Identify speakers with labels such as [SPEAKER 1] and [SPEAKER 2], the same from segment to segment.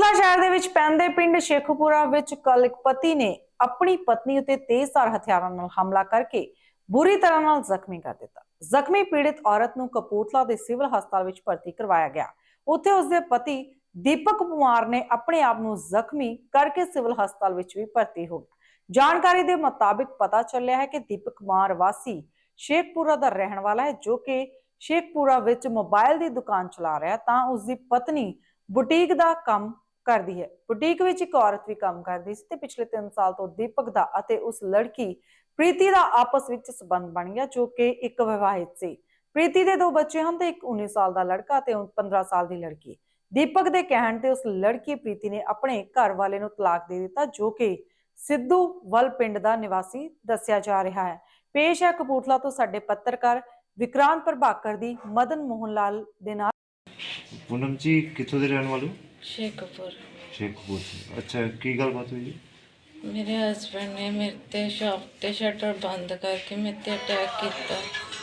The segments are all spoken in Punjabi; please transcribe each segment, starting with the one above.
[SPEAKER 1] ਕਪੂਰਥਲਾ ਸ਼ਹਿਰ ਦੇ ਵਿੱਚ ਪੈਂਦੇ ਪਿੰਡ ਸ਼ੇਖੂਪੁਰਾ ਵਿੱਚ ਕੱਲ ਇੱਕ ਪਤੀ ਨੇ ਆਪਣੀ ਪਤਨੀ ਉਤੇ ਤੇਜ਼ਧਾਰ ਹਥਿਆਰਾਂ ਨਾਲ ਹਮਲਾ ਕਰਕੇ ਬੁਰੀ ਤਰ੍ਹਾਂ ਨਾਲ ਜ਼ਖਮੀ ਕਰ ਦਿੱਤਾ। ਜ਼ਖਮੀ ਪੀੜਿਤ ਔਰਤ ਨੂੰ ਕਪੂਰਥਲਾ ਦੇ ਸਿਵਲ ਹਸਪਤਾਲ ਵਿੱਚ ਭਰਤੀ ਕਰਵਾਇਆ ਗਿਆ। ਉੱਥੇ ਉਸਦੇ ਪਤੀ ਦੀਪਕ ਕੁਮਾਰ ਨੇ ਆਪਣੇ ਆਪ ਨੂੰ ਜ਼ਖਮੀ ਕਰਕੇ ਸਿਵਲ ਹਸਪਤਾਲ ਵਿੱਚ ਵੀ ਭਰਤੀ ਹੋ ਗਿਆ। ਜਾਣਕਾਰੀ ਦੇ ਮੁਤਾਬਿਕ ਪਤਾ ਚੱਲਿਆ ਹੈ ਕਿ ਦੀਪਕ ਕੁਮਾਰ ਵਾਸੀ ਸ਼ੇਖਪੁਰਾ ਦਾ ਰਹਿਣ ਵਾਲਾ ਹੈ, ਜੋ ਕਿ ਸ਼ੇਖਪੁਰਾ ਵਿੱਚ ਮੋਬਾਈਲ ਦੀ ਦੁਕਾਨ ਚਲਾ ਰਿਹਾ ਤਾਂ ਉਸਦੀ ਪਤਨੀ बुटीक का काम करती है। बुटीक विच एक औरत भी काम करती सी ते पिछले 3 साल तो दीपक दा अते उस लड़की प्रीति दा आपस विच संबंध बन गया, जो कि एक विवाहित सी। प्रीति दे 2 बच्चे हैं ते एक 19 साल दा लड़का ते 15 साल दी लड़की। दीपक दे कहण ते उस लड़की प्रीति ने अपने घर वाले नूं तलाक दे दिता, जो कि सिद्धू वल पिंड दा निवासी दस्सिया जा रहा है। पेश है कपूरथला तो साडे पत्रकार विक्रांत प्रभाकर दी मदन मोहन लाल दे नाल।
[SPEAKER 2] पूनम जी कितों दे रहने वाले?
[SPEAKER 3] शेखपुर।
[SPEAKER 2] शेखपुर से। अच्छा की गलबात हुई जी?
[SPEAKER 3] मेरे हस्बैंड ने मेरे ते शॉप ते शटर बंद करके मेरे ते अटैक किया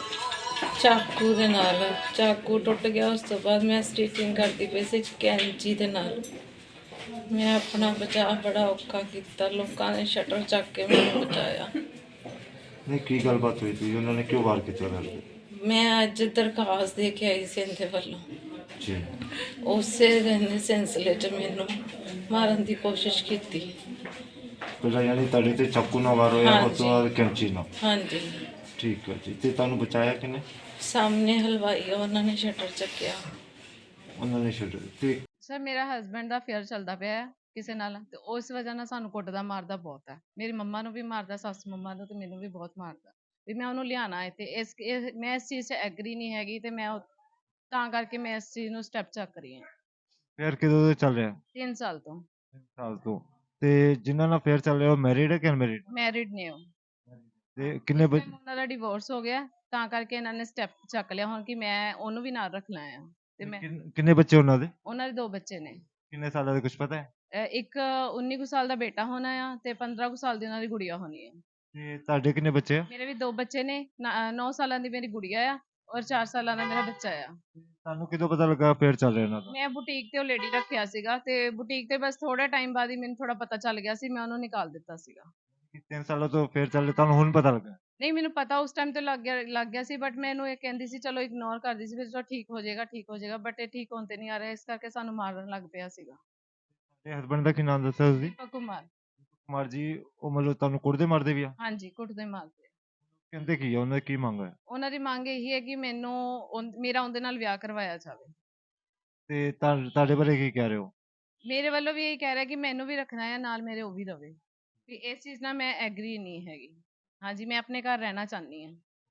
[SPEAKER 3] चाकू दे नाल। चाकू टुट गया। उस तो बाद मैं स्टिचिंग करती पई सी कैंची दे नाल। मैं अपना बचाव बड़ा औखा किया। लोगों ने शटर चक के मैंने बचाया।
[SPEAKER 2] नहीं की गलबात हुई थी, उन्होंने क्यों वार किया घर पे?
[SPEAKER 3] मैं अज दरखास्त दे के आई सी इनके वालों।
[SPEAKER 2] जी
[SPEAKER 3] उसे सिलसिले च मैनू मारन की कोशिश की।
[SPEAKER 2] पहला यानी तड़े ते चाकू ना वार होया,
[SPEAKER 3] हाँ
[SPEAKER 2] उस तो बाद कैंची ना।
[SPEAKER 3] हाँ जी।
[SPEAKER 2] ठीक है जी। ते तानू बचाया किने?
[SPEAKER 3] सामने हलवाई उन्होंने शटर चक्या।
[SPEAKER 2] उन्होंने छड़ ते
[SPEAKER 4] ਸਰ ਮੇਰਾ ਹਸਬੈਂਡ ਦਾ ਅਫੇਅਰ ਚੱਲਦਾ ਪਿਆ ਹੈ ਕਿਸੇ ਨਾਲ ਤੇ ਉਸ ਵਜ੍ਹਾ ਨਾਲ ਸਾਨੂੰ ਕੁੱਟਦਾ ਮਾਰਦਾ ਬਹੁਤ ਹੈ। ਮੇਰੀ ਮੰਮਾ ਨੂੰ ਵੀ ਮਾਰਦਾ, ਸੱਸ ਮੰਮਾ ਨੂੰ ਤੇ ਮੈਨੂੰ ਵੀ ਬਹੁਤ ਮਾਰਦਾ ਵੀ ਮੈਂ ਉਹਨੂੰ ਲਿਆਣਾ ਹੈ ਤੇ ਮੈਂ ਇਸ ਚੀਜ਼ 'ਚ ਐਗਰੀ ਨਹੀਂ ਹੈਗੀ ਤੇ ਤਾਂ ਕਰਕੇ ਮੈਂ ਇਸ ਚੀਜ਼ ਨੂੰ ਸਟੈਪ ਚੱਕ ਰਹੀ ਹਾਂ।
[SPEAKER 2] फिर किदों दे चल रहा?
[SPEAKER 4] 3 ਸਾਲ ਤੋਂ
[SPEAKER 2] 3 साल तो। ते जिन्ना ना फिर चल रहा वो मैरिड है कि अनमैरिड?
[SPEAKER 4] ਮੈਰਿਡ ਨੇ ਉਹ।
[SPEAKER 2] ते किन्ने
[SPEAKER 4] ਇਸ time ਉਹਨਾਂ ਦਾ ਡਿਵੋਰਸ ਹੋ ਗਿਆ ਤਾਂ ਕਰਕੇ ਇਹਨਾਂ ਨੇ ਸਟੈਪ ਚੱਕ ਲਿਆ ਹੁਣ ਕਿ ਮੈਂ ਉਹਨੂੰ ਵੀ ਨਾਲ ਰੱਖਣਾ ਆ ਤੇ ਮੈਂ
[SPEAKER 2] किन्ने बच्चे उन्हां दे?
[SPEAKER 4] ਉਹਨਾਂ ਦੇ 2 ਬੱਚੇ ਨੇ।
[SPEAKER 2] किन्ने साल दे कुछ पता है?
[SPEAKER 4] ਇੱਕ 19 ਕੁ ਸਾਲ ਦਾ ਬੇਟਾ ਹੋਣਾ ਆ ਤੇ 15 ਕੁ ਸਾਲ ਦੀ ਉਹਨਾਂ ਦੀ ਗੁੜੀਆ ਹੋਣੀ ਹੈ।
[SPEAKER 2] ते ਤੁਹਾਡੇ ਕਿੰਨੇ ਬੱਚੇ ਆ?
[SPEAKER 4] ਮੇਰੇ ਵੀ 2 ਬੱਚੇ ਨੇ। 9 ਸਾਲਾਂ ਦੀ ਮੇਰੀ ਗੁੜੀਆ ਆ ਔਰ 4 ਸਾਲਾਂ ਦਾ ਮੇਰਾ ਬੱਚਾ ਆ।
[SPEAKER 2] ਤੁਹਾਨੂੰ ਕਿਦੋਂ ਪਤਾ ਲੱਗਾ ਫੇਰ ਚੱਲ ਰਿਹਾ ਇਹਨਾਂ ਦਾ?
[SPEAKER 4] ਮੈਂ ਬੁਟੀਕ ਤੇ ਉਹ ਲੇਡੀ ਰੱਖਿਆ ਸੀਗਾ ਤੇ ਬੁਟੀਕ ਤੇ ਬਸ ਥੋੜਾ ਟਾਈਮ ਬਾਅਦ ਹੀ ਮੈਨੂੰ ਥੋੜਾ ਪਤਾ ਚੱਲ ਗਿਆ ਸੀ, ਮੈਂ ਉਹਨੂੰ ਨਿਕਾਲ ਦਿੱਤਾ ਸੀਗਾ।
[SPEAKER 2] 3 ਸਾਲਾਂ ਤੋਂ ਫੇਰ ਚੱਲ ਰਿਹਾ, ਤੁਹਾਨੂੰ ਹੁਣ ਪਤਾ ਲੱਗਾ?
[SPEAKER 4] ਨਹੀਂ ਮੈਨੂੰ ਪਤਾ ਉਸ ਟਾਈਮ ਤੇ ਲੱਗ ਗਿਆ ਸੀ, ਬਟ ਮੈਂ ਇਹਨੂੰ ਇਹ ਕਹਿੰਦੀ ਸੀ ਚਲੋ ਇਗਨੋਰ ਕਰਦੀ ਸੀ, ਫਿਰ ਚਲੋ ਠੀਕ ਹੋ ਜਾਏਗਾ ਬਟ ਇਹ ਠੀਕ ਹੋਣ ਤੇ ਨਹੀਂ ਆ ਰਿਹਾ, ਇਸ ਕਰਕੇ ਸਾਨੂੰ ਮਾਰਨ ਲੱਗ ਪਿਆ ਸੀਗਾ।
[SPEAKER 2] ਤੇ ਹਸਬੰਡ ਦਾ ਕੀ ਨਾਮ ਦੱਸਿਆ ਤੁਸੀਂ?
[SPEAKER 4] ਦੀਪਕ ਕੁਮਾਰ।
[SPEAKER 2] ਕੁਮਾਰ ਜੀ, ਉਹ ਮਤਲਬ ਤੁਹਾਨੂੰ ਕੁੱਟਦੇ ਮਾਰਦੇ ਵੀ ਆ?
[SPEAKER 4] ਹਾਂਜੀ ਕੁੱਟਦੇ ਮਾਰਦੇ।
[SPEAKER 2] ਕਹਿੰਦੇ ਕੀ ਆ, ਉਹਨਾਂ ਦੀ ਕੀ ਮੰਗ ਹੈ?
[SPEAKER 4] ਉਹਨਾਂ ਦੀ ਮੰਗ ਇਹੀ ਹੈ ਕਿ ਮੈਨੂੰ ਮੇਰਾ ਉਹਦੇ ਨਾਲ ਵਿਆਹ ਕਰਵਾਇਆ ਜਾਵੇ।
[SPEAKER 2] ਤੇ ਤੁਹਾਡੇ ਬਾਰੇ ਕੀ ਕਹਿ ਰਹੇ ਹੋ?
[SPEAKER 4] ਮੇਰੇ ਵੱਲੋਂ ਵੀ ਇਹ ਕਹਿ ਰਿਹਾ ਕਿ ਮੈਨੂੰ ਵੀ ਰੱਖਣਾ ਹੈ ਨਾਲ, ਮੇਰੇ ਉਹ ਵੀ ਰਵੇ ਵੀ ਇਸ ਚੀਜ਼ ਨਾਲ ਮੈਂ ਐਗਰੀ ਨਹੀਂ ਹੈਗੀ। ਹਾਂਜੀ ਮੈਂ ਆਪਣੇ ਘਰ ਰਹਿਣਾ ਚਾਹੁੰਦੀ ਹਾਂ।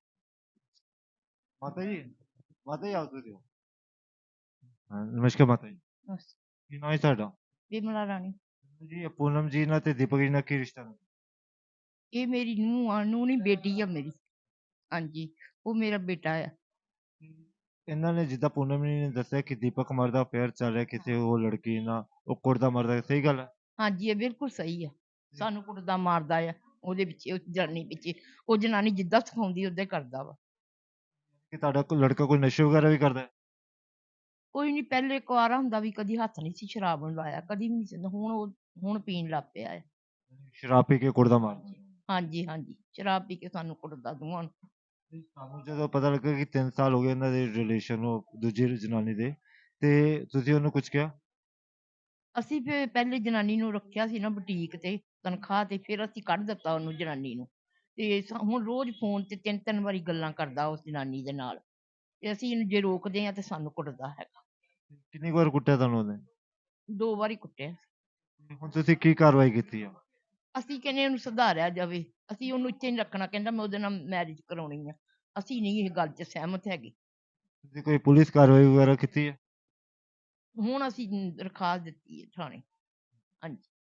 [SPEAKER 2] ਮਾਤਾ ਜੀ ਆਓ ਤੁਸੀਂ। ਹਾਂ ਨਮਸਕਾਰ ਮਾਤਾ ਜੀ, ਕੀ ਨਾਮ ਹੈ ਤੁਹਾਡਾ?
[SPEAKER 5] ਵਿਮਲਾ ਰਾਣੀ।
[SPEAKER 2] ਜੀ ਪੂਨਮ ਜੀ ਨਾਲ ਤੇ ਦੀਪਕ ਜੀ ਨਾਲ ਕੀ ਰਿਸ਼ਤਾ ਹੈ?
[SPEAKER 5] ਇਹ ਮੇਰੀ ਨੂੰਹ ਨਹੀਂ ਬੇਟੀ ਆ ਮੇਰੀ। ਹਾਂਜੀ ਉਹ ਮੇਰਾ ਬੇਟਾ ਆ।
[SPEAKER 2] ਇਹਨਾਂ ਨੇ ਜਿੱਦਾਂ ਪੂਨਮ ਜੀ ਨੇ ਦੱਸਿਆ ਕਿ ਦੀਪਕ ਕੁਮਾਰ ਦਾ ਅਫੇਅਰ ਚੱਲ ਰਿਹਾ ਕਿਸੇ ਉਹ ਲੜਕੀ ਨਾਲ, ਉਹ ਕੁੱਟਦਾ ਮਾਰਦਾ, ਸਹੀ ਗੱਲ ਹੈ?
[SPEAKER 5] ਹਾਂਜੀ ਇਹ ਬਿਲਕੁਲ ਸਹੀ ਆ। ਸਾਨੂੰ ਕੁੱਟਦਾ ਮਾਰਦਾ ਆ ਉਹਦੇ ਪਿੱਛੇ, ਉਹ ਜਨਾਨੀ ਪਿੱਛੇ। ਉਹ ਜਨਾਨੀ ਜਿੱਦਾਂ ਸਿਖਾਉਂਦੀ ਓਦਾਂ ਹੀ ਕਰਦਾ ਵਾ।
[SPEAKER 2] ਕਿ ਤੁਹਾਡਾ ਕੋਈ ਲੜਕਾ ਕੋਈ ਨਸ਼ੇ ਵਗੈਰਾ ਵੀ ਕਰਦਾ ਹੈ?
[SPEAKER 5] ਕੋਈ ਨਹੀਂ, ਪਹਿਲੇ ਕੁਆਰਾ ਹੁੰਦਾ ਵੀ ਕਦੀ ਹੱਥ ਨਹੀਂ ਸੀ ਸ਼ਰਾਬ ਨੂੰ ਲਾਇਆ, ਕਦੀ ਵੀ ਨਹੀਂ ਸੀ। ਹੁਣ ਪੀਣ ਲੱਗ ਪਿਆ ਆ।
[SPEAKER 2] ਸ਼ਰਾਬ ਪੀ ਕੇ ਕੁੱਟਦਾ ਮਾਰਦਾ?
[SPEAKER 5] ਹਾਂਜੀ ਸ਼ਰਾਬ ਪੀ ਕੇ ਸਾਨੂੰ ਕੁੱਟਦਾ ਦੋਵਾਂ ਨੂੰ।
[SPEAKER 2] ਸਾਨੂੰ ਜਦੋਂ ਪਤਾ ਲੱਗਾ ਕਿ 3 ਸਾਲ ਹੋ ਗਏ ਇਹਨਾਂ ਦੇ ਰਿਲੇਸ਼ਨ ਨੂੰ ਦੂਜੀ ਜਨਾਨੀ ਦੇ, ਤੇ ਤੁਸੀਂ ਉਹਨੂੰ ਕੁਝ ਕਿਹਾ?
[SPEAKER 5] ਅਸੀਂ ਫਿਰ ਪਹਿਲੇ ਜਨਾਨੀ ਨੂੰ ਰੱਖਿਆ ਸੀ ਨਾ ਬੁਟੀਕ ਤੇ ਤਨਖਾਹ ਤੇ, ਫਿਰ ਅਸੀਂ ਕੱਢ ਦਿੱਤਾ ਉਹਨੂੰ ਜਨਾਨੀ ਨੂੰ। ਤੇ ਹੁਣ ਰੋਜ਼ ਫੋਨ ਤੇ 3 ਵਾਰੀ ਗੱਲਾਂ ਕਰਦਾ ਉਸ ਜਨਾਨੀ ਦੇ ਨਾਲ ਤੇ ਅਸੀਂ ਇਹਨੂੰ ਜੇ ਰੋਕਦੇ ਆ ਤੇ ਸਾਨੂੰ ਕੁੱਟਦਾ ਹੈਗਾ।
[SPEAKER 2] ਕਿੰਨੀ ਕੁ ਵਾਰ ਕੁੱਟਿਆ ਤੁਹਾਨੂੰ ਉਹਨੇ?
[SPEAKER 5] 2 ਵਾਰੀ ਕੁੱਟਿਆ।
[SPEAKER 2] ਹੁਣ ਤੁਸੀਂ ਕੀ ਕਾਰਵਾਈ ਕੀਤੀ ਆ?
[SPEAKER 5] ਅਸੀਂ ਕਹਿੰਦੇ ਉਹਨੂੰ ਸੁਧਾਰਿਆ ਜਾਵੇ, ਅਸੀਂ ਉਹਨੂੰ ਇੱਥੇ ਨਹੀਂ ਰੱਖਣਾ। ਕਹਿੰਦਾ ਮੈਂ ਉਹਦੇ ਨਾਲ ਮੈਰਿਜ ਕਰਾਉਣੀ ਆ। ਅਸੀਂ ਨਹੀਂ ਇਹ ਗੱਲ 'ਚ ਸਹਿਮਤ ਹੈਗੇ।
[SPEAKER 2] ਤੁਸੀਂ ਕੋਈ ਪੁਲਿਸ ਕਾਰਵਾਈ ਵਗੈਰਾ ਕੀਤੀ ਹੈ?
[SPEAKER 5] ਹੁਣ ਅਸੀਂ ਦਰਖਾਸਤ ਦਿੱਤੀ ਹੈ ਥਾਣੇ। ਹਾਂਜੀ